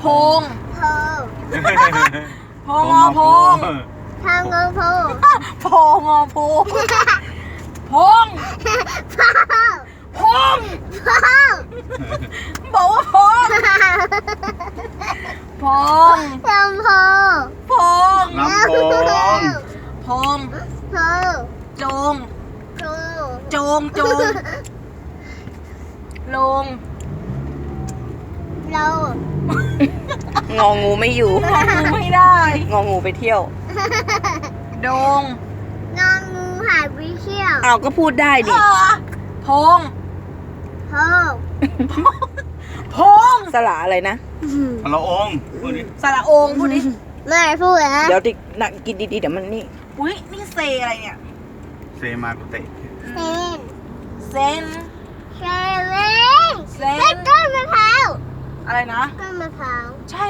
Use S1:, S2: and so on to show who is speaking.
S1: พง
S2: โพ
S1: พงอพง
S2: ทางงโพ
S1: พงอพงพง
S2: โพ
S1: พง
S2: โพ
S1: บอกว่าพงพง
S2: ลำโพ
S1: พง
S3: ลำโพง
S1: พง
S2: โพ
S1: จง
S2: โพ
S1: จงจงลง
S2: เรา
S4: งองูไม่อยู่
S1: ไม่ได้
S4: งองูไปเที่ยว
S1: ดง
S2: งองูหายไปเที่ยว
S4: เอาก็พูดได้ดิ
S1: พง
S2: โพ
S1: พง
S4: สระอะไรนะ
S3: พระองค์พูดดิ
S1: สระองพูดดิ
S2: ไม่พูดนะ
S4: เดี๋ยวดินักกินดีๆเดี๋ยวมันนี่
S1: อุ้ยนี่เซอะไรเนี่ย
S3: เซมากุเตะ
S2: เซน
S1: เซน
S2: เซเว่น
S1: เซ
S2: ต้
S1: น
S2: นมะพร้าว
S1: อะไรนะ
S2: ต้นมะพร้าว
S1: ใช่